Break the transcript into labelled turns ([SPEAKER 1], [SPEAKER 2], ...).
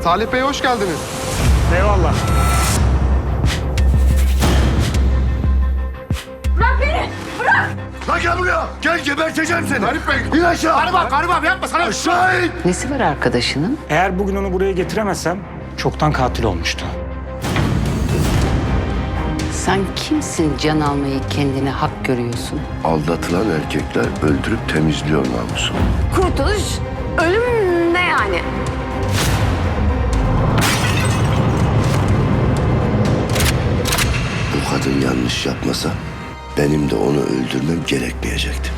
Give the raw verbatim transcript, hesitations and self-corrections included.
[SPEAKER 1] Salih Bey hoş geldiniz.
[SPEAKER 2] Eyvallah.
[SPEAKER 3] Bırak beni! Bırak!
[SPEAKER 4] Lan gel buraya. Gel geberteceğim seni.
[SPEAKER 1] Garip Bey.
[SPEAKER 4] İn aşağı.
[SPEAKER 2] Gariba, gariba yapma sana.
[SPEAKER 4] Aşağı in.
[SPEAKER 5] Nesi var arkadaşının?
[SPEAKER 2] Eğer bugün onu buraya getiremezsem çoktan katil olmuştu.
[SPEAKER 5] Sen kimsin can almayı kendine hak görüyorsun?
[SPEAKER 4] Aldatılan erkekler öldürüp temizliyor namusunu.
[SPEAKER 3] Kurtuluş, ölüm ne yani?
[SPEAKER 4] Bu kadın yanlış yapmasa benim de onu öldürmem gerekmeyecekti.